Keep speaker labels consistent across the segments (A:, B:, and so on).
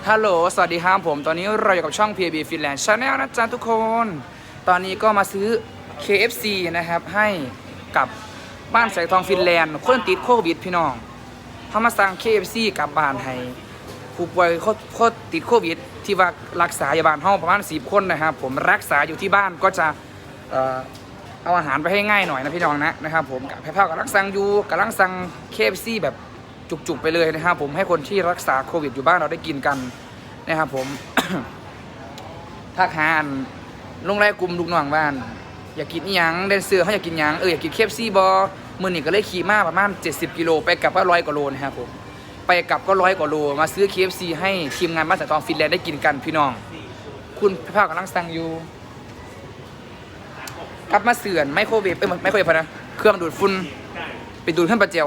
A: ฮัลโหลสวัสดีครับผมตอนนี้เราอยู่กับช่อง PAB Finland Channel นะจ๊ะทุกคนตอนนี้ก็มาซื้อ KFC นะครับให้กับบ้านแสงทองฟินแลนด์คนติดโควิดพี่น้องเขามาสั่ง KFC กับบ้านให้ผู้ป่วยโคติดโควิดที่ว่ารักษาอยู่บ้านห้องประมาณ10 คนนะครับผมรักษาอยู่ที่บ้านก็จะเอาอาหารไปให้ง่ายหน่อยนะพี่น้องนะครับผมกับแพร่ๆกับรักสั่งอยู่กับรักสั่ง KFC แบบจุกๆไปเลยนะครับผมให้คนที่รักษาโควิดอยู่บ้านเราได้กินกันนะครับผม ถ้าหาลงรายกลุ่มลูกน้องบ้านอยากกินอีหยังเดนเซอร์เขาอยากกินหยังอยากกิน KFC บอมื้อนี้ก็เลยขี่มาประมาณ70 กิโลไปกลับก็100 กว่าโลนะครับผมไปกลับก็100 กว่าโลมาซื้อ KFC ให้ทีมงานบ้านแสงทองฟินแลนด์ได้กินกันพี่น้องคุณภาพกำลังสั่งอยู่กลับมาเสื่อนไมโครเวฟไม่โครเวฟนะเครื่องดูดฝุ่นไปดูดขึ้นปลาเจียว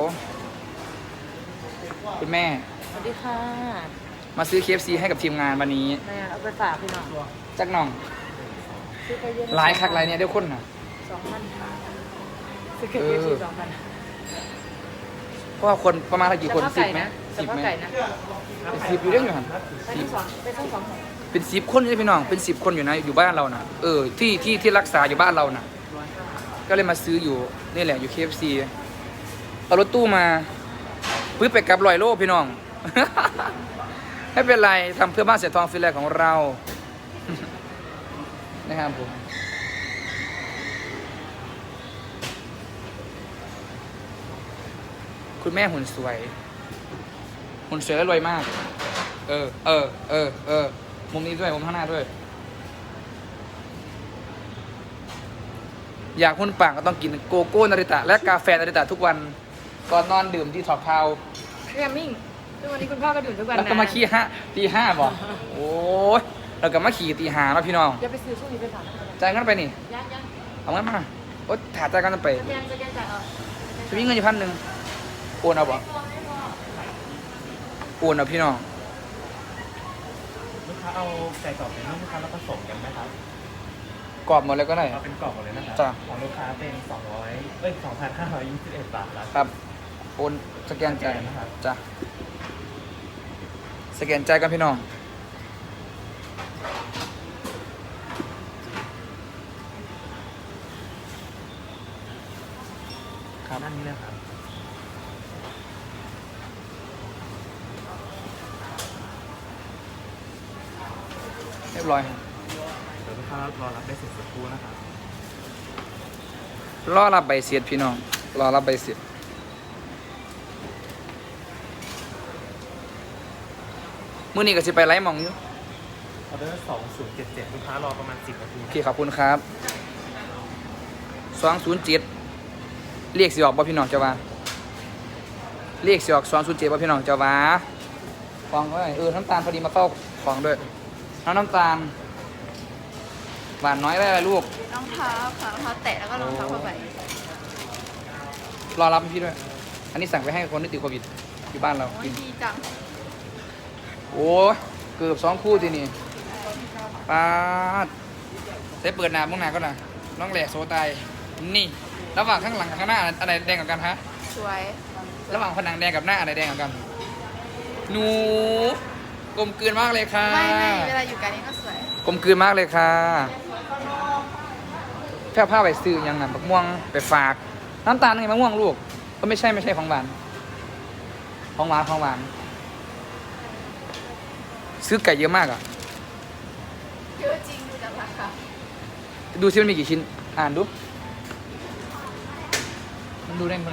A: คุณแม่
B: สวัสดีค่ะ
A: มาซื้อ KFC ให้กับทีมงานวันนี้
B: แม่เอาไปฝากพี่น้อง
A: จักน้องหลายคักหลายเนี่ยเดี๋ยวคนน่ะ
B: 2,000ซื้อ KFC 2,000
A: เพราะว่าคนประมาณกี่คน10ไหม
B: 10ไหม
A: เป็น10อยู่เรื่องอยู่หันเป็น10 คนนี่พี่น้องเป็น10 คนอยู่นะอยู่บ้านเราน่ะที่รักษาอยู่บ้านเราน่ะก็เลยมาซื้ออยู่นี่แหละอยู่ KFC เอารถตู้มาพื้นไปกับ100 โลพี่น้อง ไม่เป็นไรทำเพื่อบ้านแสงทองฟินแลนด์ของเรา นะครับผมคุณแม่หุ่นสวยและรวยมากมุมนี้ด้วยมุมข้างหน้าด้วยอยากหุ่นปังก็ต้องกินโกโก้นาริตะและกาแฟนาริตะทุกวันก่อนนอนดื่มที่ถอดพาว
B: เรียมิ่งทุกวันนี้คุณพ่อก็ดื่มทุกวันนะ
A: แล้วก็มาขี่ตี 5บอกโอ้ยเราก็มาขี่ตี 5แล้วพี่น้อง
B: อย่าไปซื้อช่วงนี้ไปฝาก
A: จ่ายเงินไปนี่
B: ยัง
A: เอาเงินมาโอ๊ยถ่ายจ่ายกันไป
B: จะจ่าย
A: จะมีเงินอยู่1,000โอนเอาบ่โอนเอาพี่น้อง
C: ลูกค้าเอาไก่กรอบเป็นลูกค้าแล้วผสมกันไหมครับ
A: กรอบหมดเลยก็ได้
C: เอาเป็นกรอบหมดเลยนะครับ
A: จ้ะ
C: ของลูกค้าเป็น2,521 บาท
A: ครับโอนสแกนจ่ายนะครับจ้ะสแกนจ่ายกันพี่น้อง
C: ครับนั่นนี่เลยครับ
A: เรียบร้อยครับ
C: เดี๋ยวลูกค้ารอรับได้เสร็จสักครู่นะครับ
A: รอรับใบเสร็จพี่น้องรอรับใบเสร็จมื้อนี้ก็สิไปไลฟ์มองอยู่
C: ออเดอร์2077ลูกค้ารอประมาณ10 นาที
A: โอเคขอบคุณครับ207เรียกสิออกบ่พี่น้องเจ้าว่าเรียกสิออก207บ่พี่น้องเจ้าว่าฟังไว้น้ำตาลพอดีมาเข้าของด้วยน้ำตาลหวานน้อยได้อะไรลูก
B: รองเท้าค่ะรองเท้าแตะแล้วก็รองเท้าผ้าใบ
A: รอรับพี่ด้วยอันนี้สั่งไปให้คนที่ติดโควิดอยู่บ้านเรา
B: ดีจัง
A: โอ้เกือบ2 คู่ทีนี่ปาดเปิดหน้าบ้างหน้าก็นะน้องแหลกโซตายนี่ระหว่างข้างหลังกับข้างหน้าอะไรแดงกว่ากันฮะ
B: สวย
A: ระหว่างผนังแดงกับหน้าอะไรแดงกว่ากันหนูกลมกลืนมากเลยค่ะ
B: ไม่เวลาอยู่กันนี่ก็สวย
A: กลมกลืนมากเลยค่ะแค่ผ้าไปซื้อยังไงมะม่วงไปฝากน้ำตาลไงมะม่วงลูกก็ไม่ใช่ของหวานซื้อไก่เยอะมากอ่ะ
B: เยอะจริงดูจากราคา
A: ดูซิมันมีกี่ชิ้นอ่านดูมันดูได้ไหม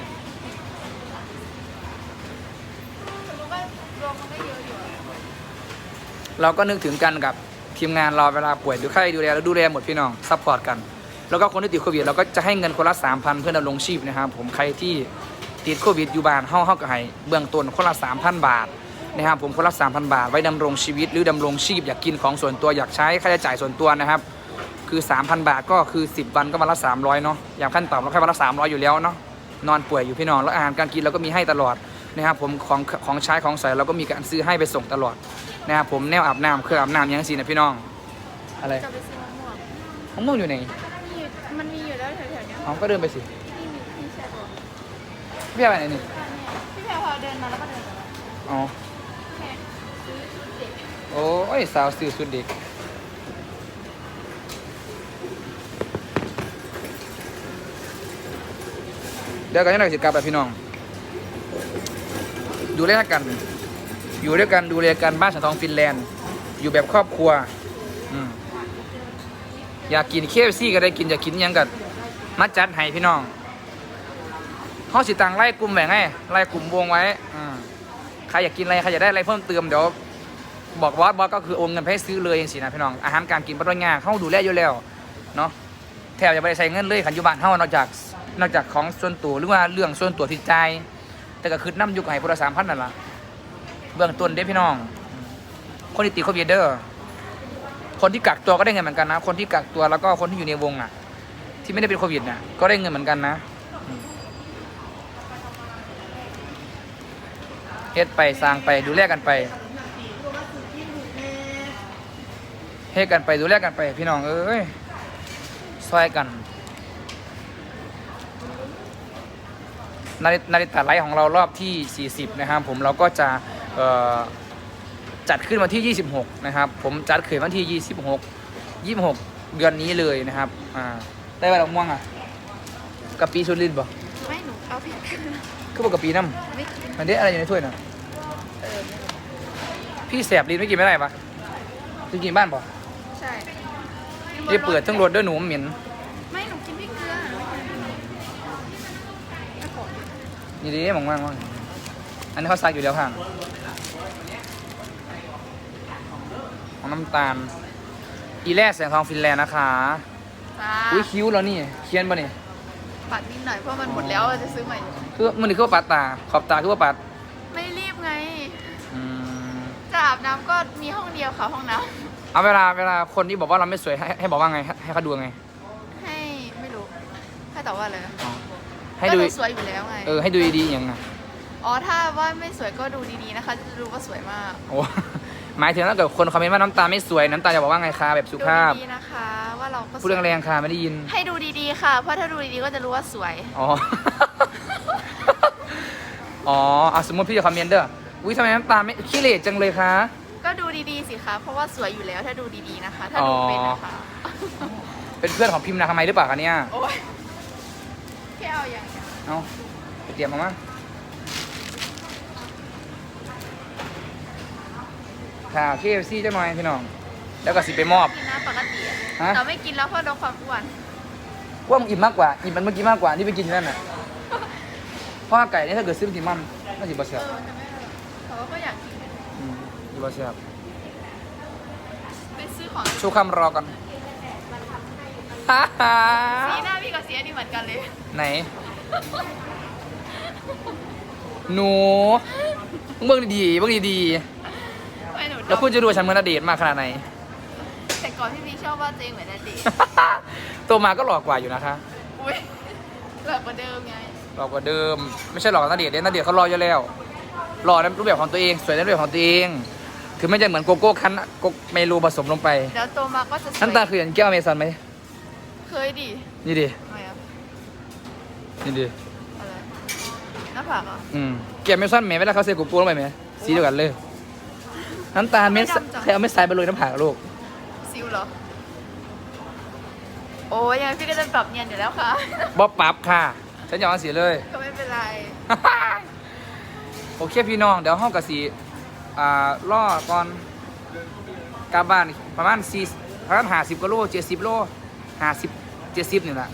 A: เราก็นึกถึงกันกับทีมงานเราเวลาป่วยหรือใครดูแลแล้วดูแลหมดพี่น้องซัพพอร์ตกันแล้วก็คนที่ติดโควิดเราก็จะให้เงินคนละ 3,000 เพื่อดำรงชีพนะครับผมใครที่ติดโควิดอยู่บ้านเฮาก็ให้เบื้องต้นคนละ 3,000 บาทนะครับผมคนละ 3,000 บาทไว้ดำรงชีวิตหรือดำรงชีพอยากกินของส่วนตัวอยากใช้ค่าใช้จ่ายส่วนตัวนะครับคือ 3,000 บาทก็คือ10 วันก็วันละ300เนาะอย่างขั้นต่ำเราแค่วันละ300อยู่แล้วเนาะนอนป่วยอยู่พี่น้องแล้วอาหารการกินเราก็มีให้ตลอดนะครับผมของใช้ของใส่เราก็มีการซื้อให้ไปส่งตลอดนะครับผมแนวอาบน้ำเครื่องอาบน้ำยังสินะพี่น้องอะไร
B: จะไปซื้อมะม่วง
A: อยู่ไหน
B: มันมีอยู่แล้วแถวๆนี้
A: อ๋อก็เดินไปสิ
B: พี่ใช่ปะ
A: พี่ไปไหนนี่
B: พี่แพรพอเดินมาแล้วก็เดินไป
A: อ๋อโอ้ยสาวสื่อสุดเด็กเดี๋ยวกันยังไงสิกลับแบบพี่น้องดูแลกันอยู่ด้วยกันดูแลกันบ้านสังทองฟินแลนด์อยู่แบบครอบครัวอยากกินเคฟซี่ก็ได้กินอยากกินยังกับมัดจัดให้พี่น้องเขาสิตังไล่กลุ่มแบ่งไงไล่กลุ่มวงไว้ใครอยากกินอะไรใครอยากได้อะไรเพิ่มเติมเดี๋ยวบอกบอสก็คือโอนเงินไปให้ซื้อเลยอย่างสินะพี่น้องอาหารการกินปริญญาเขาดูแลอยู่แล้วเนาะแถวอย่าไปใส่เงินเลยขันอยุบานเขานอกจากของส่วนตัวหรือว่าเรื่องส่วนตัวที่ใจแต่ก็คือน้ำยุกให้พล3,000นั่นแหละเบื้องต้นเด้พี่น้องคนที่ติดโควิดเด้อคนที่กักตัวก็ได้เงินเหมือนกันนะคนที่กักตัวแล้วก็คนที่อยู่ในวงอ่ะที่ไม่ได้เป็นโควิดเนี่ยก็ได้เงินเหมือนกันนะเฮ็ดไปสร้างไปดูแลกันไปเฮ็ดกันไปดูแลกันไปพี่น้องเอ้ยซอยกันนาฬิกาไลฟ์ของเรารอบที่40นะครับผมเราก็จะจัดขึ้นวันที่26นะครับผมจัดขึ้นวันที่26เดือนนี้เลยนะครับได้ไปดอกม่วงอ่ะกะปิสุรินทร์บ่
B: ไม่หนูเอาผิด
A: คือบอกกะปิน้ำ
B: ไม่กิน
A: มันได้อะไรอยู่ในถ้วยน่ะพี่แสบลิ้นไม่กินไม่ได้ปะจะกินบ้านป่ะ
B: ใช่
A: ที่เปิดทั้งรถด้วยหนูเหม็น
B: ไม่หนูกินพริกเกลือ
A: นี่ดิมองว่างอันนี้เขาซักอยู่แล้วค่ะของน้ำตาลอีแร่แสงทองฟินแลนด์นะคะ
B: จ้า
A: อุ้ยคิ้วแล้วนี่เคียนป่ะนี่
B: ปัดนิดหน่อยเพราะมันหมดแล้วจะซื้อใหม่
A: คือมันนี่คือว่าปัดตาขอบตาคือว่าปัด
B: ไม่รีบไง
A: อืม
B: จะอาบน้ำก็มีห้องเดียวค่ะห้องน้
A: เอาเวลาคนที่บอกว่าเราไม่สวยให้บอกว่าไงให้เขาดูไง
B: ำให้ไม่รู้ให้ตอบว่าอะไรนะ
A: ให้
B: ก็
A: ดู
B: หนูสวยอยู่แล้วไง
A: ให้ดูดีๆอย่างไง
B: อ๋อถ้าว่าไม่สวยก็ดูดีๆนะคะ จะรู้ว่าสวยมาก
A: โอ้หมายถึงถ้าเกิดคนคอมเมนต์ว่าน้ำตาไม่สวยน้ำตาจะบอกว่าไงคะแบบสุ
B: ดู
A: ภาพ
B: ดีๆนะคะ ว่าเราก็ส
A: พูด
B: วย
A: แรงๆค่ะไม่ได้ยิน
B: ให้ดูดีๆค่ะ เพราะถ้าดูดีๆก็จะรู้ว่าสวย
A: อ๋อ อ๋อสมมติพี่จะคอมเมนต์เด้ออุ้ยทำไมน้ำตาไม่ขี้เหร่จังเลยคะ
B: ก็ดูดีๆสิคะ เพราะว่าสวยอยู่แล้วถ้าดูดีๆนะคะ ถ้าดูเป็นนะคะ
A: เป็นเพื่อนของพิมพ์นาทำไมยหรือเปล่าคะเนี่ย
B: โอ้ยแค่เอาอย่างเดียว
A: เอาไปเตรียมมามั้งค่ะ KFC เจ้าหน่อยพี่น้อง แล้วก็สิไปมอบ
B: กินนะปกติอะ
A: ฮะ
B: แต่ไม่กินแล้วเพราะลดความอ้วน
A: ว่ามึงอิ่มมากกว่า อิ่มมันเมื่อกี้มากกว่าที่ไปกินที่นั่นน่ะเพราะว่าไก่เนี่ยถ้าเกิดซื้อเป็นติมันน่าจะบะเสียบ
B: มันจะไม่อร่อยแต่ว่าก็อยากกิน
A: ดีบะเสียบ
B: ไปซื้อของ
A: ชูคำรอก่อนฮ่าฮ่า
B: สีหน้าพี่กับสีอันนี้เหมือนกันเลย
A: ไหน หนูเบิ่งดีๆเบิ่งดี
B: ไม่หนู
A: ๆแล้วคุณจะดูว่าฉันเหมือนณเดชน์มากขนาดไหน
B: แต่ก่อนพี่พี่ชอบว่าตัวเองเหมือนณเดชน์
A: โตมาก็หลอกกว่าอยู่นะคะ
B: อุ้ยหลักกว่าเดิมไง
A: หลอกกว่าเดิม ไม่ใช่หลอกกับณเดชน์ณเดชน์เขารออยู่แล้วหล่อในรูปแบบของตัวเองสวยในรูปแบบของตัวเองคือไม่ใช่เหมือนโกโก้คั้นโกเมลูผสมลงไป
B: เดี๋ยวโตมาก็จะสวย
A: น้ำตาคืออย่างแก้วอเมซอนไหม
B: เคยดิ
A: นี่ดิ
B: ทำไมอ่ะ
A: นี่ดิ
B: อะไรหน้าผากเหรอ่ะ
A: แก้วอเมซอนไหมเวลาเขาใส่โกโก้ลงไปไหมสีเดียวกันเลยน้ำตาลเม็ดใครเอาเม็ดทรายไปโรยน้ำผักลูก
B: ซิวเหรอ โอ้ยยังไงพี่ก็จะปรับเนียนอยู่แล้วค่ะ
A: บ๊อบปั๊บค่ะฉันยอมสีเลย
B: ก็ไม่เป็นไร
A: โอเคพี่น้องเดี๋ยวห้องกับสีล่อก่อนกลับบ้านประมาณ50กิโล70โล50 70นี่แหละ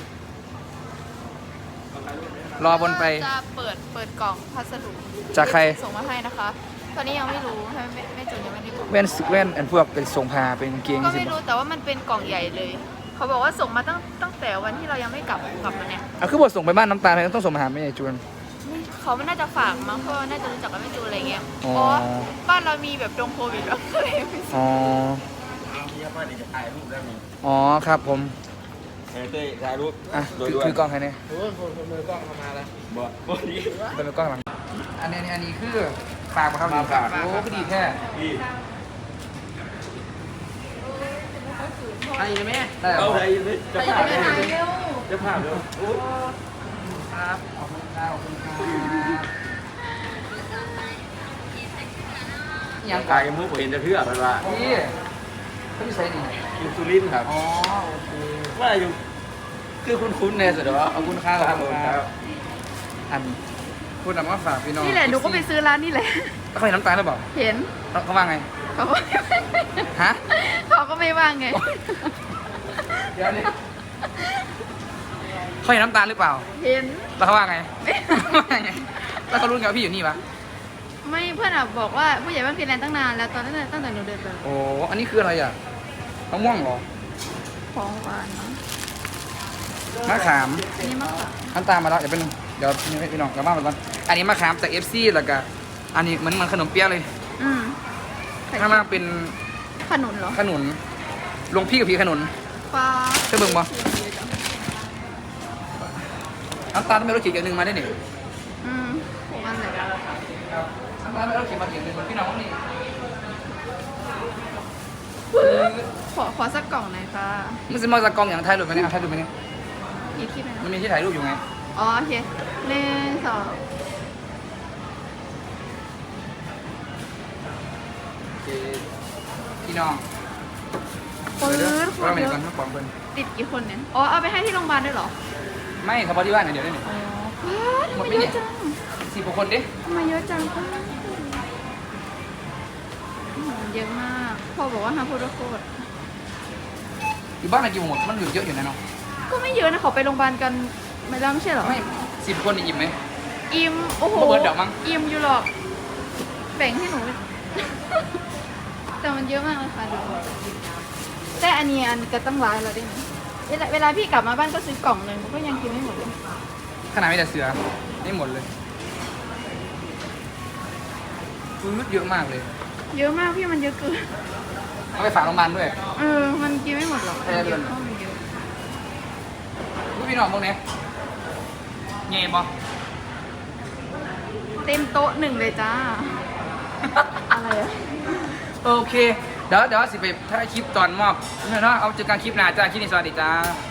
A: รอบนไป
B: จะเปิดกล่องพัสดุ
A: จากใคร
B: ส่งมาให้นะคะ ตอนนี้ยังไม่รู้ไม่จนยังไม่ได้บอก
A: แว่นอันพวกเป็นทรงพาเป็นกางเกง
B: ก็
A: สิ
B: ไม่รู้แต่ว่ามันเป็นกล่องใหญ่เลย เขาบอกว่าส่งมาตั้งแต่วันที่เรายังไม่กลับมาเนี่ย
A: คือบทส่งไปบ้านน้ำตาลต้องส่งมาหาแม่จวน
B: เขาไม่น่าจะฝากมั้งเพราะว่าน่าจะรู้จักกันไม่จูนอะไรเงี้ย
A: อ๋อ
B: เพราะว่าบ้านเรามีแบบดงโควิดแล้วก็เลยไม่ส่ง
A: อ๋อ
C: ที่พ่อจะถ่ายรูปได้มี
A: อ๋อครับผม
C: เต้ยถ่ายรูป
A: คือกล้องใครเนี่ย
C: โอ้ยคนมือกล้องเข้ามาแล้วบ่บ่ดี
A: เป็นกล้องหลังอันนี้คือฝากมาครับโอ้ก็ดีแท้
C: ดี
A: อันนี้ไหมได้
C: เอา
A: เหร
C: ไหน
A: อ
C: เลยจะภาพเลยจะภาพเลยโอ้
A: ครับขอบคุณครับขอบคุณครับยัง
D: กายมุกเห็นจะเพื่อเพราะว่า
A: นี่เขาอยู่ไซนี่
D: อยู่สุรินทร์ครับ
A: อ๋อโอเค
D: ว่าอยู่
A: คือคุ้นๆเนี่ยสุดว่าเอาคุณค่า
D: ครับ
A: ขอบคุณ
D: ค
A: ค
D: รั
A: รับบ อันพูดนำว่าฝากพี่น้อง
B: นี่แหละหนูก็ไปซื้อร้านนี่แหละ
A: แล้วเขาเห็นน้ำตาลหรือเปล่า
B: เห็น
A: เขาว่าไง
B: เขาก็
A: ฮะ
B: เขาก็ไม่ว่างไง
A: เดี๋ยวนี้เขาเห็นน้ำตาลหรือเปล่า
B: เห็น
A: แล้วเขาว่าไง ว่าไง แล้วเขารู้ไงว่าพี่อยู่นี่ปะ
B: ไม่เพื่อนอะบอกว่าผู้ใหญ่บ้านฟินแลนด์ตั้งนานแล้วตอนนั้นตั้งแต่หนูเดินไป
A: โอ้อันนี้คืออะไรอ่ะมะม่วงเหรอ
B: ของหวานเนาะ
A: มะขาม
B: อันนี้มะขาม
A: น้ำตาลมาแล้วเดี๋ยวเป็นเดี๋ยวพี่น้องกลับบ้านไปก่อนอันนี้มะขามจาก FC แล้วก็อันนี้เหมือนขนมเปี๊ยะเลย
B: อืม
A: ข้างล่างเป็น
B: ขนุนเหรอ
A: ขนุนลงพี่กับพี่ขนุน
B: ฟ้า
A: เธอเบิ่งบ่ น้ำตาลไม่รู้ขีดอย่างหนึ่งมาได้หนิ
B: อืมของอันไหน
A: น้ำตาลไม่รู้ขีดมาขีดหนึ่งพี่น้องนี่
B: ขอสักกล่องหน่อยค่ะ
A: มันจะมาจากกล้องอย่างถ่ายรูปไหมเนี่ยถ่ายรูปไหมเนี่ย
B: อีกคลิปไหม
A: มัน
B: นะ
A: มีที่ถ่ายรูปอยู่ไง
B: อ๋อโอเคหนึ่งสอง
A: พี่น้อง
B: ปื๊ดค
A: เรา
B: น
A: ไม่
B: เย
A: ได้
B: อะ
A: ก่อนมาปองเพิ่น
B: ติดกี่คนเนี่ย อ๋อ เอาไปให้ที่โรงพยาบาลด้วยเหรอ
A: ไม่เฉพาะที่บ้านอย่างเดียวได้หนิ
B: อ๋อทำ
A: หม
B: ไม
A: ดไหม
B: เย
A: เนี่
B: อะ
A: ย
B: จัง
A: 10 กว่าคนดิ
B: ทำไมเยอะจังเยอะมาก พ่อบอกว่าห้ามพูดว่าโคตร
A: อยู่บ้านอะไรกี่หมดมันอยู่เยอะอยู่นะเนาะ
B: ก็ไม่เยอะนะเขาไปโรงพยาบาลกันไม่แล้วไม่ใช่เหรอ
A: ไม่10 คนนี่อิ่มไหม
B: อิ่มโอ้โห
A: บ่เบิดเดี๋ยวมั้ง
B: อิ่มอยู่หรอกแบ่งให้หนู แต่มันเยอะมากเลยค่ะดูแต่อันนี้ก็ตั้งร้ายแล้วได้ไหมเวลาพี่กลับมาบ้านก็ซื้อกล่องหนึ่งก็ยังกินไม่หมดเลย
A: ขนาดไม่แต่เสือไม่หมดเลยฟืดเยอะมากเลย
B: เยอะมากพี่มันเยอะเกิน
A: เอาไปฝากโรงพยาบาลด้วย
B: มันกินไม่หมดหรอก
A: ใช่เดือน
B: เพราะมันเยอะ
A: รู้พี่น้องพวกนี้เงี้ยบ่
B: เต็มโต๊ะหนึ่งเลยจ้า อะไรอะ
A: โอเค เดี๋ยวสิไปถ่ายคลิปตอนมอบเนาะเอาเจอกันคลิปหน้าจ้าคลิปนี้สวัสดีจ้า